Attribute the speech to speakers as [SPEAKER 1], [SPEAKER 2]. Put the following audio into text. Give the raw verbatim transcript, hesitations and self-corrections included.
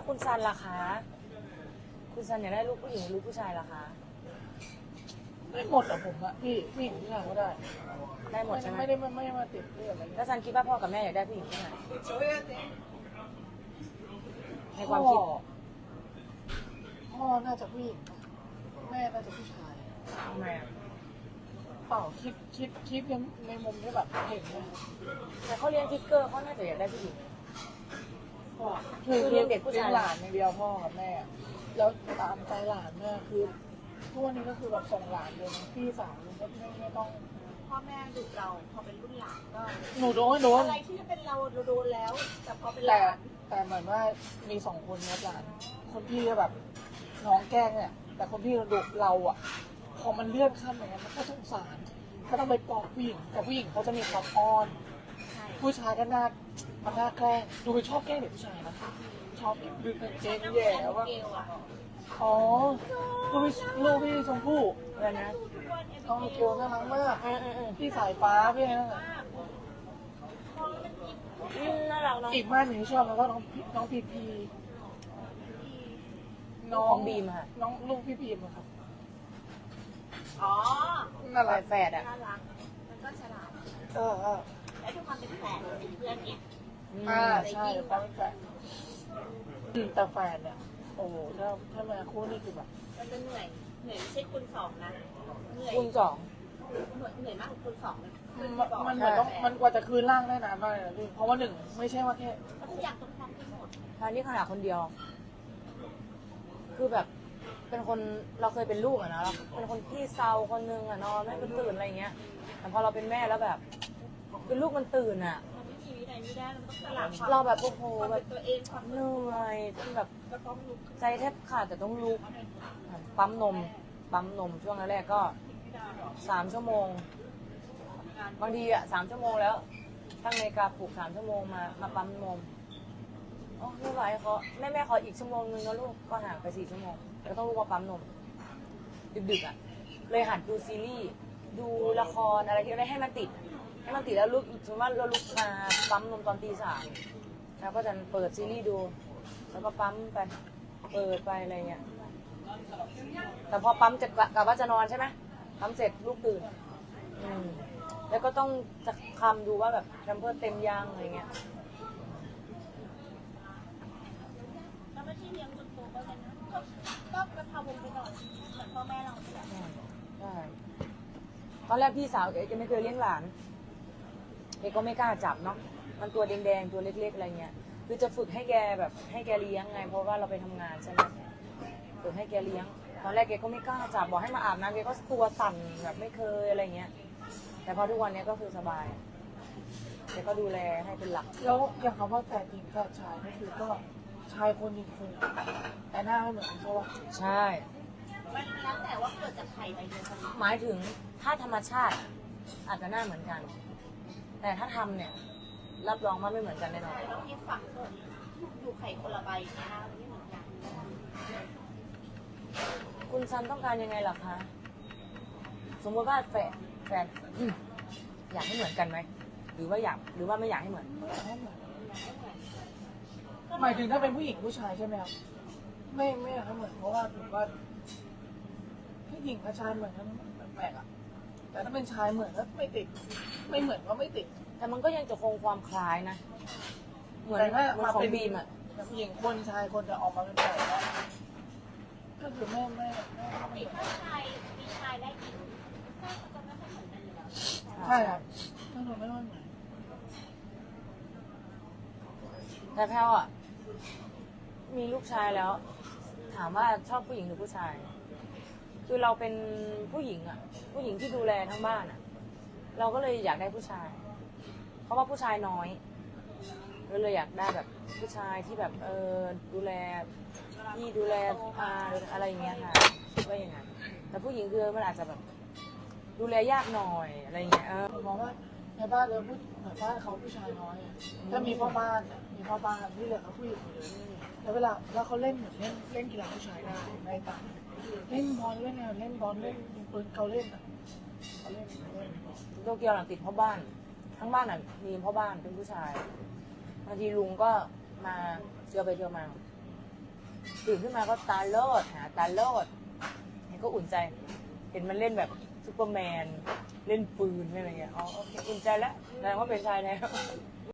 [SPEAKER 1] คุณซันล่ะคะคุณซันอยากได้ลูกผู้หญิงหรือลูกผู้ชายล่ะคะ
[SPEAKER 2] ไม่หมดอะผมอะพี่ผู้หญิงผู้ชายก็ได้
[SPEAKER 1] ได้หมดใช่ไหม
[SPEAKER 2] ไม่ได้ไม่ไม่มาติดเรื่องอะไร
[SPEAKER 1] แล้วซันคิดว่าพ่อกับแม่อยากได้ผู้หญิงใช่ไหมในความ
[SPEAKER 2] พ่อ
[SPEAKER 1] คิด
[SPEAKER 2] พ่อน่าจะผู้หญิงแม่น่าจะผู้ชาย
[SPEAKER 1] ทำไมอ่ะ
[SPEAKER 2] เปล่าคิดคิดคิดในในมุมที่แบบเห็นนะ
[SPEAKER 1] แต่เขาเรียนทิกเกอร์เขาน่าจะอยากได้ผู้หญิง
[SPEAKER 2] พ่อ
[SPEAKER 1] คือเลี้ยงเด็กผู้ชาย
[SPEAKER 2] ลี้งหลานอย่างเดียวพ่อกับแม่ แล้วตามใจหลานเนี่ยคือทุกวันนี้ก็คือแบบส่งหลานเลยนะพี่สาวไม่ไม่ไม่ต้อง
[SPEAKER 3] พ่อแม่ดุเราพอเป็นรุ่นหลานก็
[SPEAKER 2] หนูโดนโดน
[SPEAKER 3] อะไรที่เป็นเราเราโดนแล้ว แต่พอเป็นห
[SPEAKER 2] แต่
[SPEAKER 3] ลาน
[SPEAKER 2] แต่เหมือนว่ามีสองคนนะหลาน คนพี่ก็แบบน้องแกล้งเนี่ย แต่คนพี่ดุเราอ่ะ พอมันเลื่อนขั้นอย่างเงี้ยมันก็สงสาร ก็ต้องไปปลอบผู้หญิง แต่ผู้หญิงเขาจะมีความอ้อน
[SPEAKER 3] ใช่
[SPEAKER 2] ผู้ชายก็น่ามันน่าแกล้ง ดูไปชอบแกล้งเด็กผู้ชายนะ ชอบดึงกางเกงแย่ว่า
[SPEAKER 3] เกลอะ
[SPEAKER 2] อ๋อลูกพี่ลูกพี่ชมพู่
[SPEAKER 1] อะไรนะ
[SPEAKER 2] น้องเกลน่ารักมาก
[SPEAKER 1] อืมอืมอืม
[SPEAKER 2] พี่สายฟ้าพี่นั่นน่ะ
[SPEAKER 1] อืมน่ารักเนาะ
[SPEAKER 2] อีกบ้านหนึ่งที่ชอบมันก็น้องพีน้องพีพีน้อ
[SPEAKER 1] ของ งบีมค่ะ
[SPEAKER 2] น้องลูกพี่พีมอะครับ
[SPEAKER 3] อ๋อ
[SPEAKER 2] น่ารัก
[SPEAKER 1] แฝดอ่ะ
[SPEAKER 3] น่ารักมันก็ฉลาด
[SPEAKER 2] เออเออ
[SPEAKER 3] และทุกความเป็นแฝดเป็นเพื่อนเนี่ย
[SPEAKER 1] อืม
[SPEAKER 2] อ่าใช่ความเป็นแฟนอืมแต่แฟนเนี่ยโอ้โหถ้าถ้ามาคู่นี่คือแบบ
[SPEAKER 3] มันจะเหนื่อยเหนื่อยไม่ใช่คุณสองนะเหนื่อย
[SPEAKER 1] คุณสอง
[SPEAKER 3] เหนื่อยเหนื่อยมากกว่าคุณสองนะ
[SPEAKER 2] มันมันเหมือนต้องมันกว่าจะคืนร่างได้นานมากเลยนะพี่เพราะว่าหนึ่งไม่ใช่ว่าแค่
[SPEAKER 3] ทุกอย่างต้องพร้อมกันหมด
[SPEAKER 1] ทานนี่ขนาดคนเดียว คือแบบ เป็นคนเราเคยเป็นลูกอะนะเราเป็นคนที่เซาคนนึงอะนอนไม่เป็นตื่นอะไรเงี้ย แต่พอเราเป็นแม่แล้วแบบคือลูกมันตื่นอะ
[SPEAKER 3] มันไม่ชีวิตไหนไม่ได้มันต้องสลับความ
[SPEAKER 1] เราแบบโอ้โห
[SPEAKER 3] ความ
[SPEAKER 1] แบ
[SPEAKER 3] เป็
[SPEAKER 1] บ
[SPEAKER 3] นตัวเองความ
[SPEAKER 1] เหนื่อยจนแบบ
[SPEAKER 3] ก็ต้องลุก
[SPEAKER 1] ใจแทบขาดแต่ต้องลุกปั๊มนม ปั๊มนมช่วงแรกๆก็สามชั่วโมง บางทีอะสามชั่วโมงแล้วตั้งนาฬิกาปลุกสามชั่วโมงมามาปั๊มนมโอ้ไม่ไหวเขาแม่แม่ขออีกชั่วโมงนึงนะลูกก็ห่างไปสี่ชั่วโมงแล้วต้องลุกมาปั๊มนม ดึกๆอ่ะ เลยหัดดูซีรีส์ดูละครอะไรที่ได้ให้มันติด ให้มันติดแล้วลุกสมมติว่าเราลุกมาปั๊มนมตอนตีสามแล้วก็จะเปิดซีรีส์ดู แล้วก็ปั๊มไปเปิดไปอะไรเงี้ยแต่พอปั๊มจะกะว่าจะนอนใช่ไหมปั๊มเสร็จลูกตื่นอืมแล้วก็ต้องจะคำดูว่าแบบแพมเพิร์สเต็มยังอะไรเงี้ย
[SPEAKER 3] แล้วไม่ที่เลี้ยงจนโตก็เลยนะก็ก็กระเพราวงไปก่อนเหมือนพ่อแม่เราเนี่ย
[SPEAKER 1] ใช่ตอนแรกพี่สาวแกจะไม่เคยเลี้ยงหลานแกก็ไม่กล้าจับเนาะ มันตัวแดงๆตัวเล็กๆอะไรเงี้ย คือจะฝึกให้แกแบบให้แกเลี้ยงไง เพราะว่าเราไปทำงานใช่ไหมฝึกให้แกเลี้ยง ตอนแรกแกก็ไม่กล้าจับบอกให้มาอาบน้ำแกก็ตัวสั่นแบบไม่เคยอะไรเงี้ย แต่พอทุกวันนี้ก็คือสบายแกก็ดูแลให้เป็นหลัก
[SPEAKER 2] แล้วอย่างคำว่าแฟนหญิงแฟนชายก็คือก็ชายคนหญิงคนแต่หน้าไม่เหมือนกันใช่ปะ
[SPEAKER 1] ใช่
[SPEAKER 3] มันแล้วแต่ว่าเกิดจากไข่ใบเดียวกัน
[SPEAKER 1] หมายถึงถ้าธรรมชาติอาจจะหน้าเหมือนกัน แต่ถ้าทำเนี่ยรับรองว่าไม่เหมือนกันแน่นอน
[SPEAKER 3] แล้วที่ฝังเกิดอยู่ไข่คนละใบเนี่ยนะมันไม่เหมือนกัน
[SPEAKER 1] คุณซันต้องการยังไงล่ะคะ สมมติว่าแฟนแฟนอืมอยากให้เหมือนกันไหม หรือว่าอยากหรือว่าไม่อยากให้เหมือน
[SPEAKER 2] หมายถึงถ้าเป็นผู้หญิงผู้ชายใช่ไหมครับไม่ไม่อยากให้เหมือนเพราะว่าถือว่าผู้หญิงกับชายเหมือนกันแปลกๆอ่ะแต่ถ้าเป็นชายเหมือนก็ไม่ติด ไม่เหมือนก็ไม่ติด
[SPEAKER 1] แต่มันก็ยังจะคงความคล้ายนะ เหมือน
[SPEAKER 2] แต่ถ้า
[SPEAKER 1] เหมือน
[SPEAKER 2] มา
[SPEAKER 1] ของ
[SPEAKER 2] เป็น
[SPEAKER 1] บีมอ่ะ
[SPEAKER 2] ผู้หญิงคนชายคนจะออกมาเป็นแปลกอะก็คือไม่ไม่ไม่ไม่
[SPEAKER 3] มีถ้าชายมีชายได้กินก็จะไม่ค่อยเหมือนกันอยู่แล้ว
[SPEAKER 2] ใช่ครับก็คือไม่ค่อยเหมือน
[SPEAKER 1] แต่แพลวอ่ะ มีลูกชายแล้ว ถามว่าชอบผู้หญิงหรือผู้ชาย คือเราเป็นผู้หญิงอ่ะ ผู้หญิงที่ดูแลทั้งบ้านอ่ะ เราก็เลยอยากได้ผู้ชาย เพราะว่าผู้ชายน้อยเราเลยอยากได้แบบผู้ชายที่แบบเออดูแลที่ดูแลอาอะไรอย่างเงี้ยค่ะคิดว่าอย่างนั้นแต่ผู้หญิงคือมันอาจจะแบบ ดูแลยากหน่อยอะไรอย่างเงี้ยเออ
[SPEAKER 2] ผมมองว่าในบ้านเราผู้ในบ้านเขาผู้ชายน้อยอะถ้ามีพ่อบ้านอะมีพ่อบ้านที่เหลือเขาผู้หญิงหมดเลยแล้วเวลาแล้วเขาเล่นเหมือนเล่นเล่นกีฬาผู้ชายได้ในต่างเล่นบอลเล่นอะไรเล่นบอลเล่นปืนเขาเล่นอ่ะเขาเล่นเล่น
[SPEAKER 1] โตเกียวหลังติดพ่อบ้าน ทั้งบ้านอ่ะมีพ่อบ้านเป็นผู้ชายบางทีลุงก็มาเจอไปเจอมาตื่นขึ้นมาก็ตาโลดหาตาโลดนี่ก็อุ่นใจ เห็นมันเล่นแบบซูเปอร์แมนเล่นปืนเล่นอะไรเงี้ยอ๋อโอเคอุ่นใจแล้วแสดงว่าเป็นชายแล้ว